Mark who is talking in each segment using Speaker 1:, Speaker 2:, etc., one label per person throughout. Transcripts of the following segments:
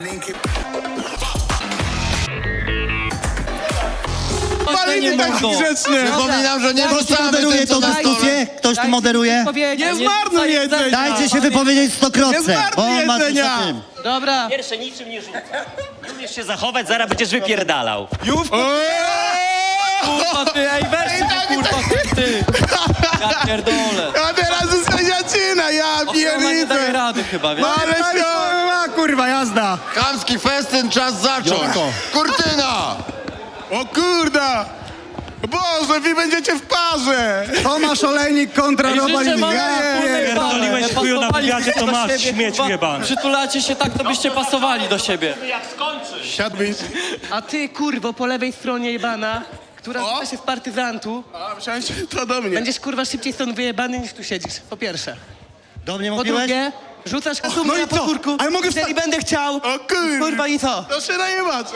Speaker 1: Palimy taki grzeczny!
Speaker 2: Przypominam, że nie
Speaker 3: Ktoś tu
Speaker 2: rzucamy
Speaker 3: moderuje
Speaker 2: tym, co
Speaker 3: tą
Speaker 2: na stole.
Speaker 3: dyskusję? Ktoś tu moderuje?
Speaker 1: Nie zmarnuj jedzenia!
Speaker 3: Dajcie się wypowiedzieć
Speaker 1: Nie
Speaker 3: stokrotce,
Speaker 1: zmarnuj
Speaker 3: bo on ma coś
Speaker 1: jedzenia!
Speaker 3: na tym.
Speaker 1: Dobra.
Speaker 4: Pierwsze niczym nie rzuca. Nie umiesz się zachować, zaraz będziesz wypierdalał.
Speaker 5: Kurwa ty, ej weź się kurwa ty! Ja pierdolę.
Speaker 1: A teraz jest sędziacina, ja
Speaker 5: Ona nie daje
Speaker 1: pierniczę!
Speaker 5: rady chyba, wiesz?
Speaker 1: Ale się... kurwa, jazda!
Speaker 2: Chamski festyn, czas zacząć.
Speaker 3: Jolko.
Speaker 2: Kurtyna!
Speaker 1: O kurda! Boże, wy będziecie w parze!
Speaker 6: Tomasz Olejnik kontra
Speaker 5: Ej,
Speaker 6: Roba
Speaker 5: życzę wam
Speaker 6: Lidia.
Speaker 4: Pierdoliłeś chuju na wywiadzie, to masz, śmieciu jebany.
Speaker 5: Przytulacie się tak, to byście pasowali do siebie.
Speaker 1: Siadłbyś.
Speaker 7: A ty, kurwo, po lewej stronie jebana, która rzuca się z partyzantu,
Speaker 1: A, myślałem, że to do mnie.
Speaker 7: będziesz, kurwa, szybciej stąd wyjebany, niż tu siedzisz, po pierwsze.
Speaker 3: Do mnie
Speaker 7: Po
Speaker 3: mówiłeś?
Speaker 7: drugie, rzucasz kasumę
Speaker 6: No i
Speaker 7: na
Speaker 6: co?
Speaker 7: podwórku,
Speaker 6: Ale mogę
Speaker 7: jeżeli będę chciał,
Speaker 1: O kurwa!
Speaker 7: kurwa, i co?
Speaker 1: To się najebacie!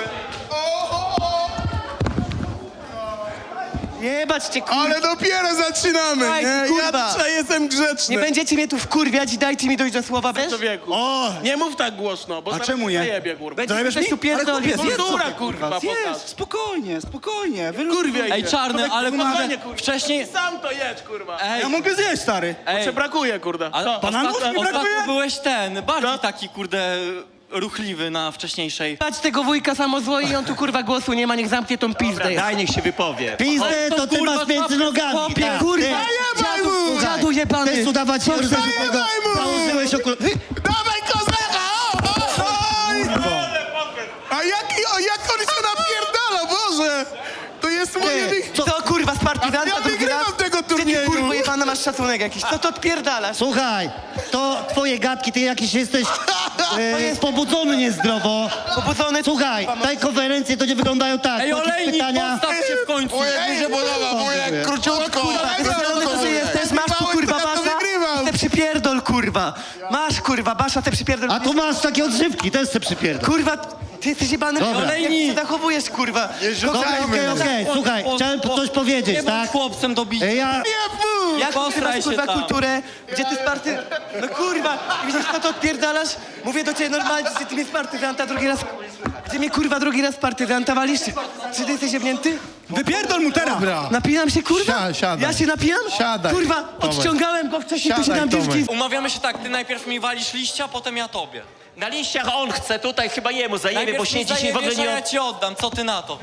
Speaker 7: Jebać cię, kurwa.
Speaker 1: Ale dopiero zaczynamy,
Speaker 7: Daj,
Speaker 1: nie?
Speaker 7: kurwa.
Speaker 1: Ja dzisiaj jestem grzeczny.
Speaker 7: Nie będziecie mnie tu wkurwiać i dajcie mi dojść do słowa, wiesz?
Speaker 1: Człowieku.
Speaker 6: O,
Speaker 1: Nie mów tak głośno, bo
Speaker 6: a
Speaker 1: zaraz
Speaker 6: czemu nie?
Speaker 1: zajebie, kurwa.
Speaker 7: Będziesz
Speaker 6: Zajebiesz
Speaker 7: coś
Speaker 6: mi?
Speaker 7: tu pierdolić.
Speaker 6: Ale chłopie,
Speaker 1: Kultura,
Speaker 6: zjedz,
Speaker 1: kurwa, pokaż.
Speaker 6: Zjedz, spokojnie, spokojnie.
Speaker 1: Kurwa,
Speaker 5: Ej czarny, ale
Speaker 1: Spokojnie, kurwa.
Speaker 5: wcześniej...
Speaker 1: Sam to jedz, kurwa.
Speaker 5: Ej,
Speaker 6: Ja mogę zjeść, stary.
Speaker 5: ej,
Speaker 1: Cię brakuje, kurwa.
Speaker 5: a
Speaker 1: Co?
Speaker 6: bananów mi
Speaker 5: ostatnio
Speaker 6: brakuje?
Speaker 5: byłeś ten, bardziej
Speaker 1: Co?
Speaker 5: taki kurde ruchliwy na wcześniejszej.
Speaker 7: Jebać tego wujka samozło i on tu, kurwa, głosu nie ma, niech zamknie tą pizdę.
Speaker 4: Daj, niech się wypowie.
Speaker 3: Pizdę
Speaker 5: Ale to
Speaker 3: to ty
Speaker 5: kurwa
Speaker 3: masz między
Speaker 5: słabo,
Speaker 3: nogami.
Speaker 5: chłopie,
Speaker 3: tak,
Speaker 7: kurwa,
Speaker 3: ty.
Speaker 1: Zajebaj mu!
Speaker 3: Słuchaj,
Speaker 7: Dziadu jebany.
Speaker 3: Chcesz udawać się tego,
Speaker 1: Zajebaj mu!
Speaker 3: założyłeś okular...
Speaker 1: Dawaj kozaka! Oj! A jak on się napierdala, Boże! To jest moje...
Speaker 7: Co, kurwa, z partyzanta
Speaker 1: Ja
Speaker 7: drugi raz?
Speaker 1: wygrywam tego
Speaker 7: Gdzie ty,
Speaker 1: turnieju.
Speaker 7: kurwa, jebana, masz szacunek jakiś? Co to odpierdalasz?
Speaker 3: Słuchaj, to twoje gadki, ty jakiś jesteś pobudzony niezdrowo.
Speaker 7: Pobudzony...
Speaker 3: Słuchaj, te konferencje to nie wyglądają tak.
Speaker 5: Ej
Speaker 3: Jakieś
Speaker 5: olejnik,
Speaker 3: pytania...
Speaker 5: postaw się w końcu!
Speaker 2: Wujek mi się podoba, wujek, króciutko.
Speaker 7: Pierdolony to ty jesteś, masz tu, kurwa,
Speaker 1: Ja to
Speaker 7: basza,
Speaker 1: wygrywam.
Speaker 7: te przypierdol, kurwa. Masz, kurwa, basza, te przypierdol.
Speaker 3: A tu masz takie odżywki, też se przypierdol.
Speaker 7: Kurwa, ty jesteś jebany.
Speaker 3: Dobra.
Speaker 7: Jak się zachowujesz, kurwa?
Speaker 3: Okej, słuchaj, chciałem coś powiedzieć,
Speaker 5: Nie bądź
Speaker 3: tak?
Speaker 5: chłopcem do bicia.
Speaker 3: Ja...
Speaker 7: Jak
Speaker 5: Posraj
Speaker 7: ty
Speaker 5: się
Speaker 7: kurwa,
Speaker 5: tam.
Speaker 7: kulturę, gdzie ty z party... No kurwa, widzisz, co to odpierdalasz? Mówię do ciebie normalnie, że ty mnie z partyzanta drugi raz... Gdzie mnie, kurwa, drugi raz z partyzanta walisz? Czy ty jesteś jebnięty?
Speaker 6: Wypierdol mu teraz.
Speaker 7: Napinam się, kurwa?
Speaker 1: Siadaj.
Speaker 7: Ja się napijam?
Speaker 1: Siadaj,
Speaker 7: Kurwa,
Speaker 1: Tomek.
Speaker 7: odciągałem go wcześniej, to się
Speaker 1: Siadaj,
Speaker 7: nam
Speaker 1: Tomek.
Speaker 7: dziewczyny.
Speaker 5: Umawiamy się tak, ty najpierw mi walisz liścia, potem ja tobie.
Speaker 4: Na liściach on chce, tutaj chyba jemu zajebie, bo
Speaker 5: Najpierw
Speaker 4: się
Speaker 5: mi
Speaker 4: dzisiaj w ogóle
Speaker 5: zajebiesz, a
Speaker 4: nie...
Speaker 5: ja ci oddam, co ty na to?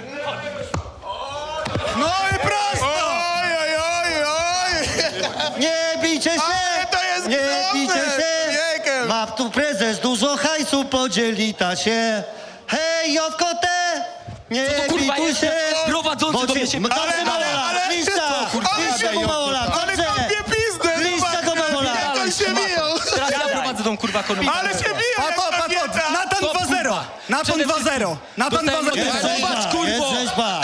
Speaker 6: No i prosto.
Speaker 1: Oj, oj, oj, oj!
Speaker 3: Nie bijcie się!
Speaker 1: Ale to jest
Speaker 3: Nie
Speaker 1: groźne!
Speaker 3: bijcie się!
Speaker 1: Wiekiem!
Speaker 3: Ma tu prezes dużo hajsu, podzieli ta się. Hej, Jowkote! Nie
Speaker 5: kurwa
Speaker 3: bituj
Speaker 5: jest?
Speaker 3: się!
Speaker 5: Prowadzący do mnie się...
Speaker 3: Dobrze, Małola! Liścia! Liścia go Małola!
Speaker 1: Ale
Speaker 3: Dobrze!
Speaker 1: kopie pizdę!
Speaker 3: Liścia go Małola!
Speaker 1: Jak on się biją!
Speaker 5: Teraz ja prowadzę tą kurwa konwencję.
Speaker 1: Ale się biją jak kobieta!
Speaker 6: Natan 2-0. Natan 2-0. Natan 2-0.
Speaker 3: Zobacz,
Speaker 5: kurwo!
Speaker 3: Jest rzeźba!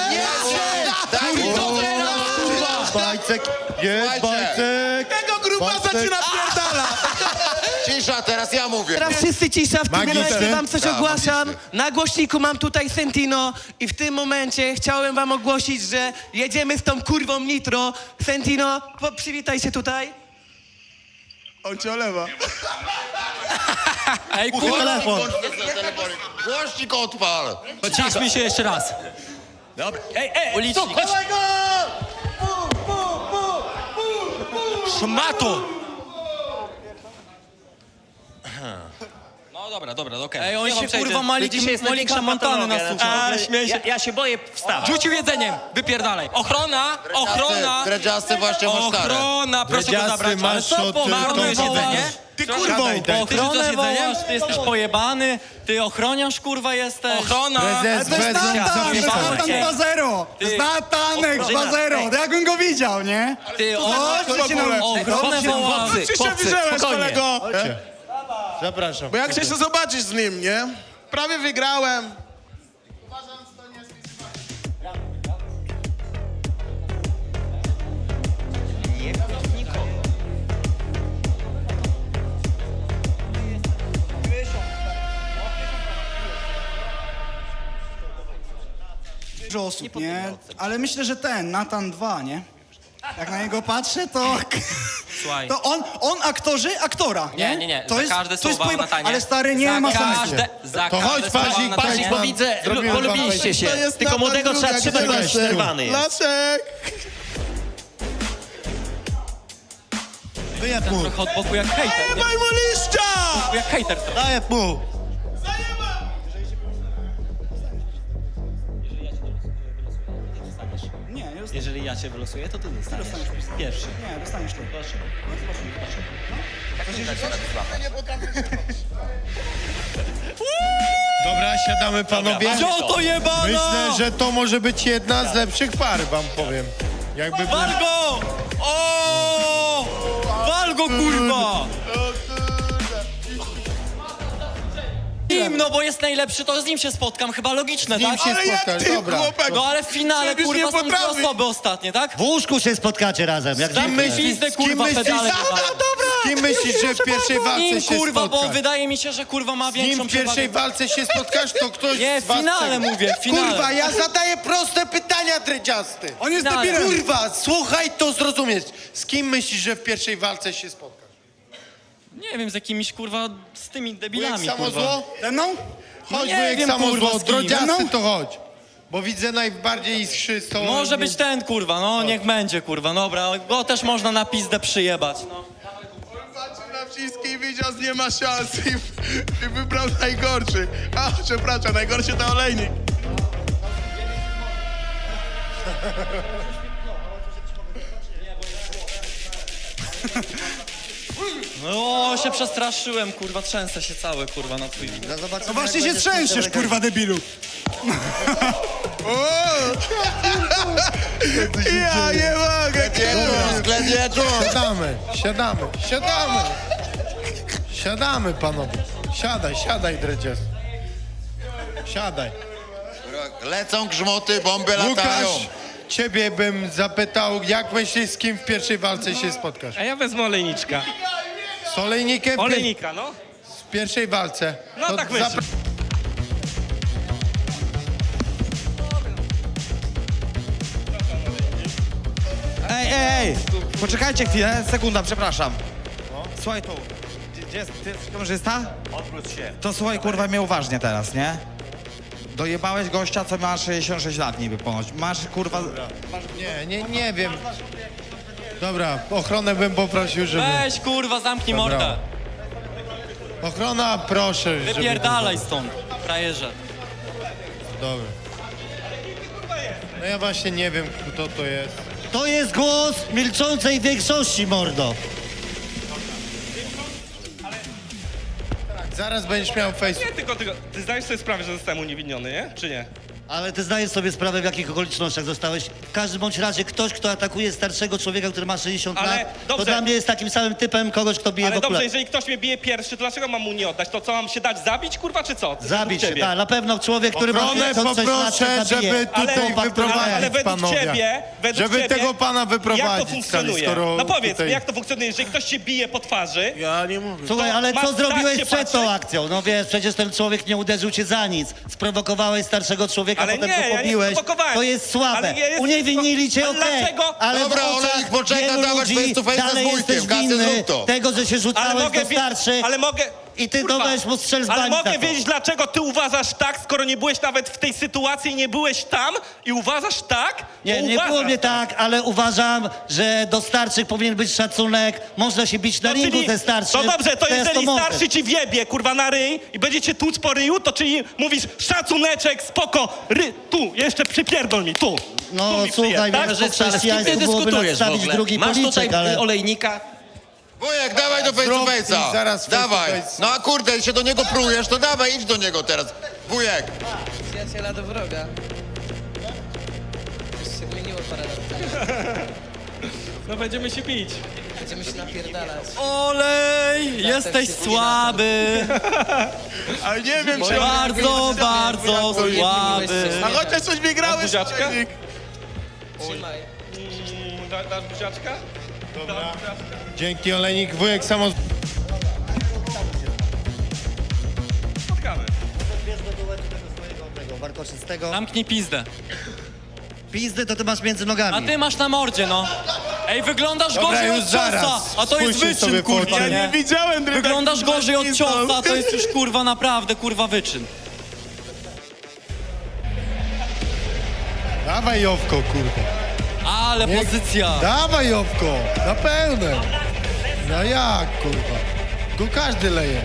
Speaker 3: Bajcek! Jest
Speaker 2: Słuchajcie.
Speaker 3: bajcek!
Speaker 1: Tego grubasa ci napierdala!
Speaker 2: Cisza, teraz ja mówię.
Speaker 7: Teraz wszyscy cisza, w tym
Speaker 1: Magister.
Speaker 7: momencie wam coś
Speaker 2: Tak,
Speaker 7: ogłaszam.
Speaker 2: magister.
Speaker 7: Na głośniku mam tutaj Sentino i w tym momencie chciałem wam ogłosić, że jedziemy z tą kurwą Nitro. Sentino, przywitaj się tutaj.
Speaker 1: On cię olewa.
Speaker 5: Ej kurwa,
Speaker 3: Telefon!
Speaker 2: Głośnik odpal.
Speaker 5: ciszmy się jeszcze raz.
Speaker 4: Dobra. Ej,
Speaker 5: Ulicznik.
Speaker 4: szmato!
Speaker 5: No dobra, okej. Ej, on się kurwa
Speaker 4: Dzisiaj jest największa
Speaker 5: Montany na
Speaker 4: patologia,
Speaker 5: sucho.
Speaker 4: ja się boję wstawać.
Speaker 5: Rzucił jedzeniem, wypierdalaj. Ochrona, ochrona,
Speaker 2: Dredziasty właśnie masz karę.
Speaker 5: ochrona, proszę go zabrać. Ale co, marnujesz jedzenie?
Speaker 1: Ty kurwą!
Speaker 5: Ochronę wołasz, ty jesteś pojebany, ty ochroniarz kurwa jesteś. Ochrona!
Speaker 6: Ale to jest Natan 2-0. To jest Natanek 2-0. To jakbym go widział, nie?
Speaker 5: Ty
Speaker 6: Chodźcie na
Speaker 5: ochronę wołasz.
Speaker 1: Ty się wyżyłeś, kolego!
Speaker 3: Zapraszam.
Speaker 1: Bo jak chcesz to zobaczyć z nim, nie? Prawie wygrałem.
Speaker 6: Dużo osób, nie? Ale myślę, że ten, Natan 2, nie? Jak na niego patrzę, to
Speaker 5: Słuchaj.
Speaker 6: To on aktorzy, aktora, nie?
Speaker 5: Nie.
Speaker 6: To
Speaker 5: Za
Speaker 6: jest,
Speaker 5: każde
Speaker 6: to jest
Speaker 5: słowa
Speaker 6: pojeba-
Speaker 5: Natanie.
Speaker 6: Ale stary, nie ma sensu.
Speaker 5: Za
Speaker 1: To chodź,
Speaker 5: każde słowa
Speaker 1: Pazik,
Speaker 5: Natanie.
Speaker 1: Pazik,
Speaker 4: Bo widzę,
Speaker 1: Zrobimy
Speaker 4: polubiliście się.
Speaker 1: to jest
Speaker 4: Tylko
Speaker 1: Natan
Speaker 4: młodego trzeba
Speaker 1: Druga,
Speaker 4: trzymać, bo
Speaker 1: gdzie
Speaker 4: już
Speaker 1: Laszek?
Speaker 4: nerwany jest.
Speaker 1: Laszek!
Speaker 3: Wyjeb mu,
Speaker 5: Trochę od boku jak hejter, nie?
Speaker 1: Daj mu liścia!
Speaker 5: Jak hejter trochę.
Speaker 3: zajeb mu.
Speaker 6: Nie,
Speaker 4: Jeżeli ja cię wylosuję, to ty dostaniesz. Pierwszy.
Speaker 6: nie, dostaniesz to.
Speaker 1: Dobra, siadamy panowie.
Speaker 5: Co to jebana?
Speaker 1: Myślę, że to może być jedna z lepszych par, wam powiem. Jakby był...
Speaker 5: Wal go! O! Wal go, kurwa! Nim, no bo jest najlepszy, to z nim się spotkam, chyba logiczne,
Speaker 1: Z nim
Speaker 5: tak?
Speaker 1: się Ale jak spotkasz, ty, dobra. chłopak?
Speaker 5: No ale w finale,
Speaker 1: Przecież nie
Speaker 5: kurwa, są dwie
Speaker 1: potrafi.
Speaker 5: osoby ostatnie, tak?
Speaker 3: W łóżku się spotkacie razem, jak
Speaker 5: Dam
Speaker 3: zwykle.
Speaker 5: pizdę,
Speaker 1: z kim
Speaker 5: kurwa,
Speaker 1: myślisz?
Speaker 5: pedale.
Speaker 1: Z kim myślisz, że w pierwszej walce
Speaker 5: Nim,
Speaker 1: się
Speaker 5: kurwa, bo
Speaker 1: spotkasz?
Speaker 5: wydaje mi się, że kurwa ma
Speaker 1: Z nim
Speaker 5: większą
Speaker 1: w pierwszej
Speaker 5: przewagę.
Speaker 1: walce się spotkasz, to ktoś
Speaker 5: Nie,
Speaker 1: z
Speaker 5: w
Speaker 1: was
Speaker 5: finale
Speaker 1: przegra.
Speaker 5: mówię, w finale.
Speaker 2: Kurwa, ja zadaję proste pytania, drydziasty.
Speaker 6: On jest
Speaker 5: Finale.
Speaker 6: debilem.
Speaker 2: Kurwa, słuchaj, to zrozumieć. Z kim myślisz, że w pierwszej walce się spotkasz?
Speaker 5: Nie wiem, z jakimiś, kurwa, z tymi
Speaker 2: Wujek
Speaker 5: debilami, kurwa.
Speaker 2: samozło?
Speaker 6: Ze mną?
Speaker 1: Chodź,
Speaker 5: nie
Speaker 1: wujek
Speaker 5: wiem,
Speaker 1: samozło,
Speaker 5: kurwa, z kim.
Speaker 1: drodziasty
Speaker 6: No.
Speaker 1: to chodź. Bo widzę najbardziej iskrzystą...
Speaker 5: Może być ten, kurwa, no niech będzie, kurwa, dobra, ale go też można na pizdę przyjebać, no.
Speaker 1: Patrzył na wszystkich, widział, że nie ma szans i wybrał najgorszy. A, przepraszam, najgorszy to olejnik.
Speaker 5: No, się przestraszyłem, kurwa, trzęsę się cały, kurwa, na twój widok.
Speaker 6: No właśnie się trzęsiesz, kurwa, debilu.
Speaker 1: O! Ja nie mogę, Siadamy, panowie. Siadaj, dredzias. Siadaj.
Speaker 2: Lecą grzmoty, bomby latają.
Speaker 1: Łukasz, ciebie bym zapytał, jak myślisz, z kim w pierwszej walce się spotkasz?
Speaker 8: A ja wezmę olejniczka.
Speaker 1: Z olejnikiem
Speaker 8: Olejnika, no.
Speaker 1: w pierwszej walce.
Speaker 8: No
Speaker 1: To
Speaker 8: tak myślę.
Speaker 9: Ej! Poczekajcie chwilę, sekunda, przepraszam. Słuchaj tu, gdzie jest, ty jesteś kamerzysta? Odwróć się. To słuchaj, kurwa, mnie uważnie teraz, nie? Dojebałeś gościa, co ma 66 lat niby ponoć. Masz, kurwa...
Speaker 1: Nie wiem. Dobra, ochronę bym poprosił, żeby...
Speaker 5: Weź, kurwa, zamknij
Speaker 1: Dobra.
Speaker 5: mordę.
Speaker 1: Ochrona, proszę, żeby...
Speaker 5: Wypierdalaj stąd, frajerze.
Speaker 1: Dobra. No ja właśnie nie wiem, kto to jest.
Speaker 3: To jest głos milczącej większości, mordo.
Speaker 1: Zaraz będziesz miał face...
Speaker 8: Nie, tylko, ty zdajesz sobie sprawę, że zostałem uniewinniony, nie? Czy nie?
Speaker 3: Ale ty zdajesz sobie sprawę, w jakich okolicznościach zostałeś. W każdym bądź razie ktoś, kto atakuje starszego człowieka, który ma 60
Speaker 8: Ale
Speaker 3: lat, to
Speaker 8: dobrze.
Speaker 3: dla mnie jest takim samym typem kogoś, kto bije
Speaker 8: Ale
Speaker 3: w
Speaker 8: dobrze,
Speaker 3: okular.
Speaker 8: jeżeli ktoś mnie bije pierwszy, to dlaczego mam mu nie oddać? To co, mam się dać zabić, kurwa, czy co?
Speaker 3: Zabić się,
Speaker 8: Ciebie.
Speaker 3: tak. Na pewno człowiek, który ma
Speaker 1: Ochronę
Speaker 3: 56 lat,
Speaker 1: poproszę,
Speaker 3: się zabije.
Speaker 1: żeby tutaj
Speaker 3: Chłopak, który
Speaker 1: wyprowadzić
Speaker 8: ale według
Speaker 1: panowie.
Speaker 8: ciebie,
Speaker 1: Żeby tego pana
Speaker 8: jak to
Speaker 1: wyprowadzić,
Speaker 8: funkcjonuje?
Speaker 1: skoro
Speaker 8: No powiedz
Speaker 1: tutaj-
Speaker 8: mi, jak to funkcjonuje, jeżeli ktoś cię bije po twarzy,
Speaker 3: Słuchaj, ale
Speaker 8: masz
Speaker 3: co zrobiłeś
Speaker 8: tak się
Speaker 3: przed tą
Speaker 8: patrzeć?
Speaker 3: akcją? No wiesz, przecież ten człowiek nie uderzył cię za nic. Sprowokowałeś starszego człowieka,
Speaker 8: Ale
Speaker 3: potem
Speaker 8: nie,
Speaker 3: go
Speaker 8: ja nie
Speaker 3: pobiłeś.
Speaker 8: sprowokowałem.
Speaker 3: To jest słabe.
Speaker 8: Ale ja jestem-
Speaker 3: Uniewinili cię,
Speaker 8: Ale
Speaker 3: okej.
Speaker 8: dlaczego?
Speaker 3: Ale
Speaker 2: Dobra,
Speaker 3: w oczach
Speaker 2: Olejnik, poczekaj,
Speaker 3: wielu
Speaker 2: dawać
Speaker 3: ludzi
Speaker 2: face to face
Speaker 3: dalej
Speaker 2: z wujkiem.
Speaker 3: jesteś
Speaker 2: Kasy,
Speaker 3: winny
Speaker 2: zrób to.
Speaker 3: tego, że się
Speaker 8: ale
Speaker 3: rzucałeś
Speaker 8: mogę,
Speaker 3: do starszych.
Speaker 8: ale mogę...
Speaker 3: I ty
Speaker 8: Kurwa,
Speaker 3: dałeś mu strzel z
Speaker 8: ale
Speaker 3: bani
Speaker 8: mogę
Speaker 3: za to.
Speaker 8: wiedzieć, dlaczego ty uważasz tak, skoro nie byłeś nawet w tej sytuacji i nie byłeś tam i uważasz tak?
Speaker 3: Nie,
Speaker 8: to
Speaker 3: nie
Speaker 8: uważasz
Speaker 3: było mnie tak, ale uważam, że do starszych powinien być szacunek. Można się bić na
Speaker 8: No,
Speaker 3: ringu
Speaker 8: czyli-
Speaker 3: ze starszym.
Speaker 8: No dobrze, to
Speaker 3: jest
Speaker 8: jeżeli
Speaker 3: moment.
Speaker 8: starszy ci wjebie, kurwa, na ryj i będziecie tłuc po ryju, to czyli mówisz szacuneczek, spoko, tu, jeszcze przypierdol mi, tu.
Speaker 3: No
Speaker 8: tu mi
Speaker 3: słuchaj,
Speaker 8: przyjeb, tak?
Speaker 3: wiesz, po
Speaker 4: Ale z kim ty
Speaker 3: chrześcijaństwu byłoby
Speaker 4: dyskutujesz w
Speaker 3: nadstawić
Speaker 4: ogóle?
Speaker 3: drugi
Speaker 4: Masz tutaj
Speaker 3: policzek, ale...
Speaker 4: olejnika?
Speaker 2: Wujek, dawaj do face to
Speaker 1: Zrób i
Speaker 2: face'a.
Speaker 1: zaraz face to
Speaker 2: Dawaj.
Speaker 1: face.
Speaker 2: No a kurde, się do niego prujesz, to dawaj, idź do niego teraz. Wujek.
Speaker 7: Przyjaciela do wroga. Już się zmieniło parę lat temu.
Speaker 8: No będziemy się bić.
Speaker 7: Będziemy się napierdalać.
Speaker 5: Olej, jesteś
Speaker 7: się
Speaker 5: słaby.
Speaker 1: Ale nie wiem, czy...
Speaker 5: Bardzo, bardzo słaby.
Speaker 1: A chociaż coś wygrałeś,
Speaker 8: Buziaczka?
Speaker 1: Olejnik.
Speaker 7: Trzymaj.
Speaker 8: Dasz buziaczka?
Speaker 1: Dobra. Dzięki, Olejnik. Wujek samo...
Speaker 8: Spotkamy.
Speaker 3: Warkoczystego.
Speaker 5: Zamknij pizdę.
Speaker 3: Pizdy to ty masz między
Speaker 5: A
Speaker 3: nogami.
Speaker 5: ty masz na mordzie, no. Ej, wyglądasz
Speaker 2: Dobra,
Speaker 5: gorzej
Speaker 2: już
Speaker 5: od ciosa,
Speaker 2: zaraz.
Speaker 5: a to jest
Speaker 2: Spójrzcie sobie
Speaker 5: wyczyn, kurwa,
Speaker 2: fotę.
Speaker 5: nie?
Speaker 1: Nie widziałem
Speaker 5: Wyglądasz gorzej od ciosa, to jest już kurwa naprawdę, kurwa wyczyn.
Speaker 2: Dawaj Jowko, kurwa.
Speaker 5: Ale
Speaker 2: Nie-
Speaker 5: pozycja.
Speaker 2: Dawaj Jowko, na pełne. No jak, kurwa. Tu każdy leje.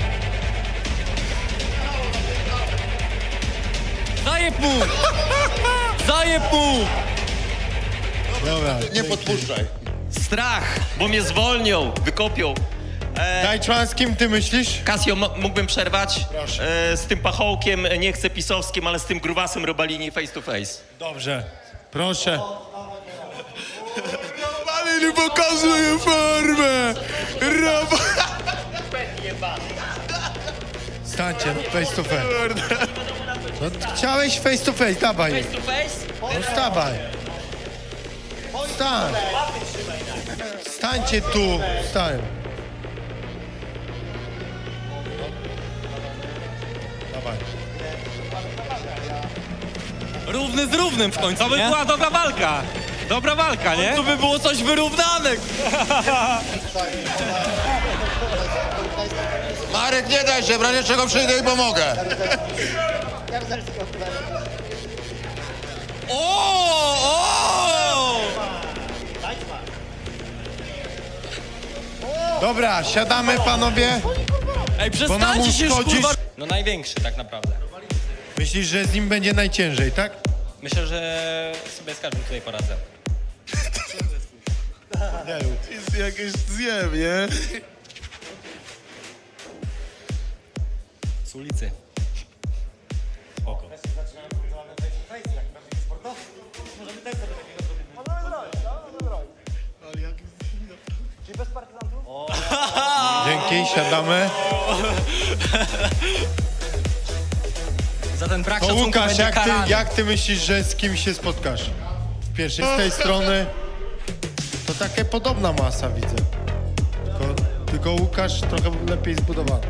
Speaker 5: Zajeb mu! Zajeb mu!
Speaker 2: Dobra.
Speaker 1: Nie podpuszczaj.
Speaker 4: Strach, bo mnie zwolnią, wykopią.
Speaker 2: Dajczman, z kim ty myślisz?
Speaker 4: Kasio, mógłbym przerwać?
Speaker 2: Proszę.
Speaker 4: Z tym pachołkiem, nie chcę pisowskim, ale z tym grubasem Robalini face to face.
Speaker 2: Dobrze. Proszę.
Speaker 1: Robalini pokazuje formę!
Speaker 2: Stańcie, no, face to face. No, chciałeś face to face, dawaj.
Speaker 4: Face to face?
Speaker 2: No stawaj. Stań. Stańcie tu. Stań. Dawaj.
Speaker 5: Równy z równym w końcu,
Speaker 8: To by
Speaker 5: nie?
Speaker 8: była dobra walka. Dobra walka, nie?
Speaker 5: Tu by było coś wyrównane.
Speaker 2: Marek, nie daj się, w razie czego przyjdę i pomogę.
Speaker 5: O!
Speaker 2: Dobra, siadamy panowie.
Speaker 5: Ej,
Speaker 2: Bo nam
Speaker 5: przestańcie się już,
Speaker 2: uszkodzisz.
Speaker 5: kurwa...
Speaker 10: No największy tak naprawdę.
Speaker 2: Myślisz, że z nim będzie najciężej, tak?
Speaker 10: Myślę, że sobie z każdym tutaj poradzę.
Speaker 1: Jest jakieś zjem, nie?
Speaker 10: Z ulicy.
Speaker 2: Dzięki, siadamy.
Speaker 10: Za ten brak
Speaker 2: To
Speaker 10: szacunku
Speaker 2: Łukasz,
Speaker 10: będzie karany.
Speaker 2: jak ty myślisz, że z kim się spotkasz? W pierwszej, z tej strony to taka podobna masa widzę. Tylko Łukasz trochę lepiej zbudowany.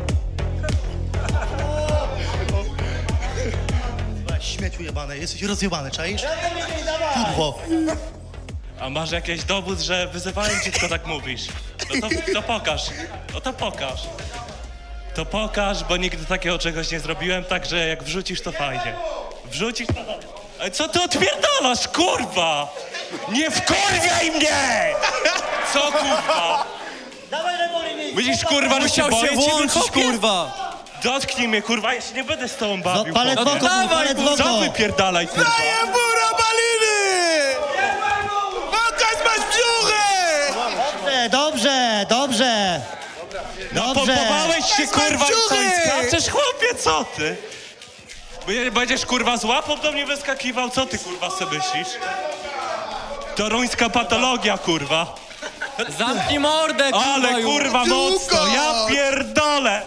Speaker 11: Śmieciu jebane, jesteś rozjebany, czaisz? Kurwo.
Speaker 8: A masz jakiś dowód, że wyzywałem cię, tylko tak mówisz? No to pokaż. No to pokaż. To pokaż, bo nigdy takiego czegoś nie zrobiłem, także jak wrzucisz, to fajnie. Wrzucisz, to... Ej, co ty odpierdalasz, kurwa? Nie wkurwiaj mnie! Co, kurwa? Widzisz, kurwa, że się
Speaker 5: Musiał
Speaker 8: boję
Speaker 5: się
Speaker 8: ciebie,
Speaker 5: włączyć,
Speaker 8: chłopie?
Speaker 5: kurwa.
Speaker 8: Dotknij mnie, kurwa, ja się nie będę z tobą
Speaker 3: No,
Speaker 8: bawił.
Speaker 3: palec w
Speaker 8: chłopie.
Speaker 3: oko,
Speaker 5: dawaj,
Speaker 3: palec w
Speaker 8: Co
Speaker 3: oko.
Speaker 8: wypierdalaj, kurwa?
Speaker 1: Daję mu Robaliny! Pokaż masz brzuchy!
Speaker 3: Dobrze, dobrze.
Speaker 8: No
Speaker 3: Dobrze.
Speaker 8: pompowałeś się, kurwa, i co, i
Speaker 1: dziury!
Speaker 8: skaczesz, chłopie, co ty? Będziesz, kurwa, z łapą do mnie wyskakiwał? Co ty, kurwa, sobie myślisz? Toruńska patologia, kurwa.
Speaker 5: Zamknij mordę, kurwa,
Speaker 8: Ale,
Speaker 5: już.
Speaker 8: kurwa, mocno, ja pierdolę.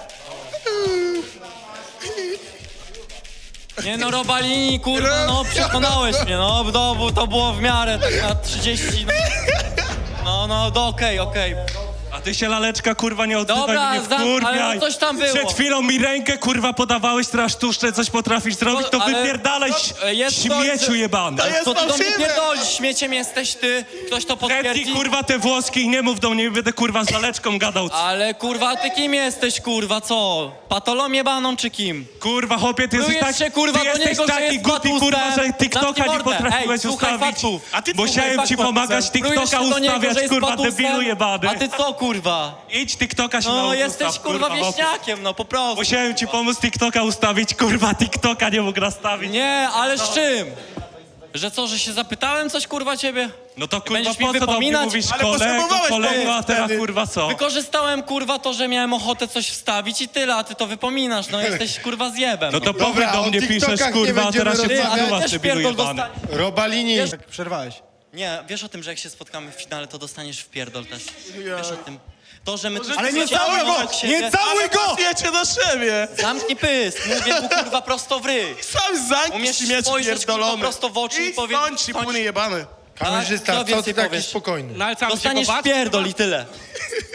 Speaker 5: Nie no, Robalini, kurwa, no przekonałeś mnie, no to było w miarę, tak na 30, no, okej.
Speaker 8: A ty się, laleczka, kurwa, nie odzywaj,
Speaker 5: Dobra,
Speaker 8: mnie wkurwiaj.
Speaker 5: ale coś tam było.
Speaker 8: Przed chwilą mi rękę, kurwa, podawałeś, teraz sztuczne coś potrafisz zrobić, to
Speaker 5: ale-
Speaker 8: wypierdalaj,
Speaker 5: jest
Speaker 8: śmieciu
Speaker 5: coś,
Speaker 8: jebany.
Speaker 5: Co ty do mnie
Speaker 1: fałszywe.
Speaker 5: pierdolisz? Śmieciem jesteś ty, ktoś to
Speaker 8: Zetnij,
Speaker 5: potwierdzi?
Speaker 8: kurwa, te włoski i nie mów do mnie, będę, kurwa, z laleczką gadał.
Speaker 5: Ale kurwa, ty kim jesteś, kurwa, co? Patolą jebaną czy kim?
Speaker 8: Kurwa, chłopie, ty jesteś,
Speaker 5: Plujesz się, kurwa,
Speaker 8: ty
Speaker 5: do
Speaker 8: jesteś
Speaker 5: niego, że
Speaker 8: taki
Speaker 5: jest
Speaker 8: głupi,
Speaker 5: patusem.
Speaker 8: kurwa, że
Speaker 5: Zamknij
Speaker 8: TikToka nie
Speaker 5: mordę.
Speaker 8: potrafiłeś
Speaker 5: Ej, słuchaj
Speaker 8: ustawić.
Speaker 5: faktów.
Speaker 1: A ty
Speaker 8: Bo
Speaker 1: słuchaj
Speaker 8: chciałem ci
Speaker 1: faktów.
Speaker 8: pomagać
Speaker 5: Plujesz
Speaker 8: TikToka
Speaker 5: się do niego,
Speaker 8: ustawiać,
Speaker 5: że jest
Speaker 8: kurwa,
Speaker 5: patusem,
Speaker 8: debilu jebany.
Speaker 5: a ty co, kurwa?
Speaker 8: Idź TikToka się
Speaker 5: No,
Speaker 8: naucz
Speaker 5: jesteś,
Speaker 8: ustaw,
Speaker 5: kurwa,
Speaker 8: bo-
Speaker 5: wieśniakiem, no, po prostu.
Speaker 8: Musiałem ci pomóc TikToka ustawić, kurwa, TikToka nie mógł nastawić.
Speaker 5: Nie, ale z czym? Że co, że się zapytałem coś, kurwa, ciebie?
Speaker 8: No to, kurwa,
Speaker 5: Będziesz mi
Speaker 8: po co do mnie
Speaker 5: wypominać?
Speaker 8: mówisz
Speaker 1: Ale
Speaker 8: kolego,
Speaker 1: potrzebowałeś
Speaker 8: a teraz,
Speaker 1: wtedy.
Speaker 8: kurwa, co?
Speaker 5: Wykorzystałem, kurwa, to, że miałem ochotę coś wstawić i tyle, a ty to wypominasz, no jesteś, kurwa, zjebem.
Speaker 8: No to
Speaker 2: Dobra,
Speaker 8: powiedz do
Speaker 2: o
Speaker 8: mnie,
Speaker 2: TikTokach
Speaker 8: piszesz,
Speaker 2: nie
Speaker 8: kurwa, a
Speaker 2: będziemy
Speaker 8: teraz się
Speaker 5: Ty, ale
Speaker 8: wkurwa,
Speaker 5: też
Speaker 8: debilu
Speaker 5: pierdol
Speaker 8: jebany.
Speaker 5: dostaniesz.
Speaker 2: Robalini.
Speaker 5: Wiesz-
Speaker 6: Przerwałeś.
Speaker 5: Nie, wiesz o tym, że jak się spotkamy w finale, to dostaniesz w pierdol też. Wiesz o tym. To, że my tu
Speaker 6: Ale nie
Speaker 5: siedziamy
Speaker 6: całuj go!
Speaker 5: obok siebie-
Speaker 6: Nie całuj go!
Speaker 1: Wiecie do siebie!
Speaker 5: Zamknij pysk, mówię mu, kurwa, prosto w ryj.
Speaker 1: Sam zamknij
Speaker 5: Umiesz
Speaker 1: śmieć
Speaker 5: spojrzeć, kurwa,
Speaker 1: pierdolony.
Speaker 5: prosto w oczy i
Speaker 1: Idź
Speaker 5: powiedzieć...
Speaker 1: stąd, cipuny jebany.
Speaker 2: Kamerzysta,
Speaker 5: co
Speaker 2: co
Speaker 5: więcej
Speaker 2: ty taki
Speaker 5: powiesz?
Speaker 2: spokojny?
Speaker 8: No ale co, mam się
Speaker 5: Dostaniesz
Speaker 8: go bać,
Speaker 5: w pierdol i tyle.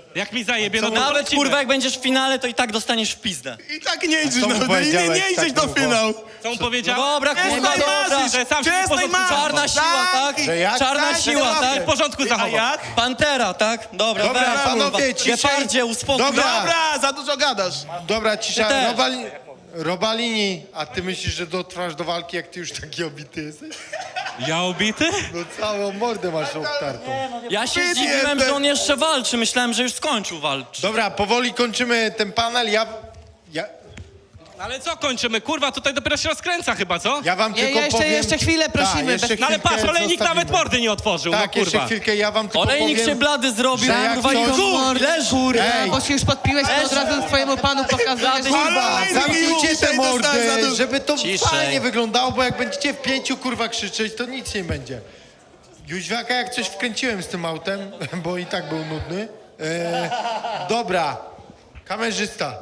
Speaker 8: Jak mi zajebie, no to
Speaker 5: Nawet
Speaker 8: polecimy.
Speaker 5: kurwa jak będziesz w finale, to i tak dostaniesz w pizdę.
Speaker 1: I tak nie idziesz,
Speaker 2: co mu
Speaker 1: no, nie
Speaker 2: powiedziałeś
Speaker 1: idziesz
Speaker 2: tak
Speaker 1: do
Speaker 2: długo?
Speaker 1: finału.
Speaker 8: Co mu powiedział?
Speaker 5: No dobra, kurwa,
Speaker 1: Przestań
Speaker 5: dobra.
Speaker 1: marzyć,
Speaker 8: że sam się w porządku
Speaker 5: Czarna siła, tak?
Speaker 2: Że jak?
Speaker 5: Czarna
Speaker 1: Tak,
Speaker 5: siła,
Speaker 1: tak,
Speaker 5: tak?
Speaker 8: W porządku zachował.
Speaker 5: Pantera, tak? Dobra,
Speaker 2: Dobra,
Speaker 5: weź,
Speaker 2: panowie,
Speaker 5: kurwa.
Speaker 2: ciszej.
Speaker 5: Gepardzie, uspokój.
Speaker 1: Dobra, za dużo gadasz.
Speaker 2: Dobra,
Speaker 5: Ty
Speaker 2: cisza.
Speaker 5: też.
Speaker 2: Robalini, a ty myślisz, że dotrwasz do walki, jak ty już taki obity jesteś?
Speaker 8: Ja ubity?
Speaker 2: No całą mordę masz obtartą.
Speaker 5: Ja się
Speaker 1: Ty
Speaker 5: zdziwiłem,
Speaker 1: nie,
Speaker 5: że on jeszcze walczy. Myślałem, że już skończył walczyć.
Speaker 2: Dobra, powoli kończymy ten panel. Ja
Speaker 8: Ale co kończymy? Kurwa, tutaj dopiero się rozkręca chyba, co?
Speaker 2: wam tylko powiem...
Speaker 7: jeszcze chwilę prosimy.
Speaker 2: Tak, jeszcze
Speaker 8: No ale patrz,
Speaker 2: chwilkę
Speaker 8: olejnik
Speaker 2: zostawimy.
Speaker 8: nawet mordy nie otworzył,
Speaker 2: Tak,
Speaker 8: no kurwa.
Speaker 2: jeszcze chwilkę, ja wam tylko
Speaker 5: Olejnik
Speaker 2: powiem...
Speaker 5: się blady zrobił,
Speaker 2: że jak
Speaker 5: kurwa, i
Speaker 2: ktoś-
Speaker 5: leży.
Speaker 2: Ej,
Speaker 7: Bo się już podpiłeś, to od razu swojemu panu pokazujesz.
Speaker 2: kurwa,
Speaker 1: Olejnik
Speaker 2: zamknijcie
Speaker 1: już
Speaker 2: te
Speaker 1: dzisiaj dostałem za
Speaker 2: mordy,
Speaker 1: dużo.
Speaker 2: żeby to
Speaker 5: Ciszej.
Speaker 2: fajnie wyglądało, bo jak będziecie w 5 kurwa krzyczeć, to nic nie będzie. Jóźwiaka jak coś wkręciłem z tym autem, bo i tak był nudny. Dobra, kamerzysta,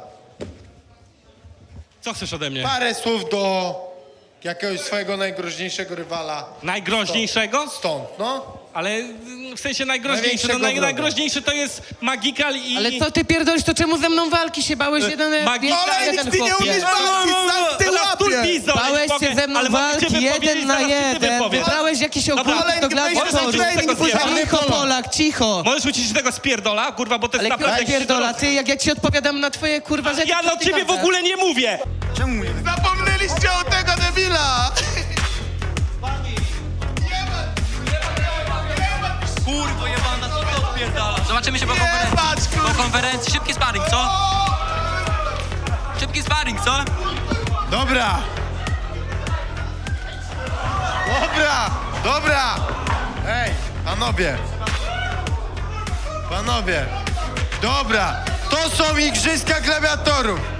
Speaker 8: Co chcesz ode mnie?
Speaker 2: parę słów do jakiegoś swojego najgroźniejszego rywala
Speaker 8: Najgroźniejszego?
Speaker 2: stąd, no.
Speaker 8: Ale w sensie najgroźniejszy. No,
Speaker 2: Największego wroga.
Speaker 8: najgroźniejszy to jest Magikal i...
Speaker 7: Ale co ty pierdolisz, to czemu ze mną walki się bałeś? Jeden
Speaker 1: Olejnik, ty nie umiesz walczyć, sam ty łapie.
Speaker 7: Bałeś się ze mną walki jeden na jeden. Wybrałeś jakiś ogólnik do gladiatorów. Cicho, Polak, cicho.
Speaker 8: Możesz ucić tego spierdola, kurwa, bo to jest
Speaker 7: Ale
Speaker 8: naprawdę...
Speaker 7: kto pierdolę, ty, jak ja ci odpowiadam na twoje kurwa rzeczy,
Speaker 8: Ja
Speaker 7: to
Speaker 8: do
Speaker 7: ty
Speaker 8: ciebie w
Speaker 7: gadasz.
Speaker 8: ogóle nie mówię!
Speaker 1: Zapomnieliście o tego debila.
Speaker 5: Kurwo jebana, co ty odpierdalasz?
Speaker 10: Zobaczymy się po konferencji.
Speaker 1: Patrz, kurwa.
Speaker 10: Po konferencji. Szybki sparring, co? Szybki sparring, co?
Speaker 2: Dobra. Dobra, dobra. Ej, panowie. Panowie. Dobra, to są igrzyska gladiatorów.